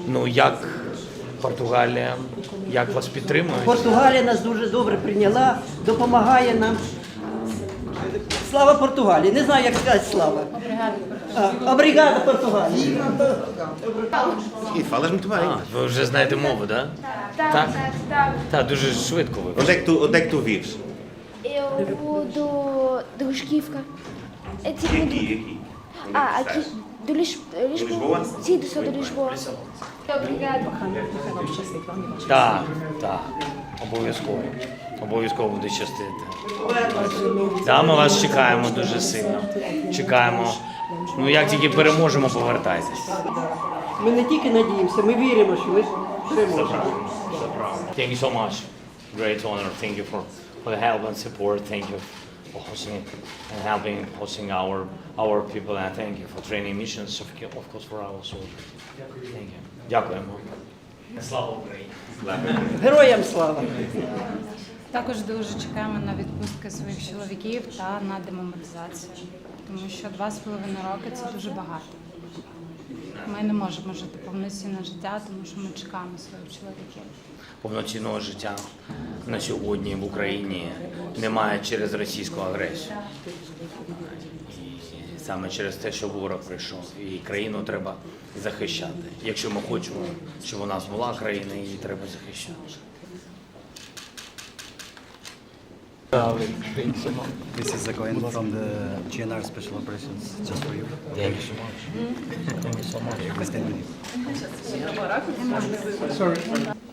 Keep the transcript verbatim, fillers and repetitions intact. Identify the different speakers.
Speaker 1: Ну, як Португалія, як вас підтримують?
Speaker 2: Португалія нас дуже добре прийняла, допомагає нам. Слава Португалії! Не знаю, як сказати слава. А, Обригада Португалії.
Speaker 3: E falas muito bem.
Speaker 1: А, ви вже знаєте мову, да?
Speaker 4: Так, так, так.
Speaker 1: Так, дуже швидко ви.
Speaker 3: Onde é que tu, onde é que tu vives?
Speaker 4: Eu vou do, do Rusquivka. É
Speaker 3: E
Speaker 4: tipo
Speaker 3: aqui,
Speaker 4: do,
Speaker 3: e aqui? Onde é
Speaker 4: ah,
Speaker 3: que
Speaker 4: aqui
Speaker 3: estás?
Speaker 4: do Lis, Lisboa.
Speaker 3: Lisboa?
Speaker 4: Sim, do sul de Lisboa. Obrigada.
Speaker 1: Так, так, обов'язково. Обов'язково буде щастити. Да, ми вас чекаємо дуже сильно. Чекаємо. Ну, як тільки переможемо, повертайтесь.
Speaker 2: Ми не тільки надіємося, ми віримо, що ми переможемо.
Speaker 1: Thank you so much. Great honor. Thank you for, for the help and support. Thank you for hosting and helping hosting our our people, and thank you for training missions, of of course, for our soldiers. Thank you. Дякуємо. Слава Україні.
Speaker 2: Героям слава!
Speaker 5: Також дуже чекаємо на відпустки своїх чоловіків та на демобілізацію, тому що два з половиною роки це дуже багато. Ми не можемо жити повноцінне життя, тому що ми чекаємо своїх чоловіків.
Speaker 1: Повноцінного життя на сьогодні в Україні немає через російську агресію. І саме через те, що ворог прийшов. І країну треба захищати. Якщо ми хочемо, щоб у нас була країна, її треба захищати.
Speaker 6: This is a coin from the G N R Special Operations, just for you.
Speaker 1: Thank you so much. Thank you so much.
Speaker 6: Please stand with you.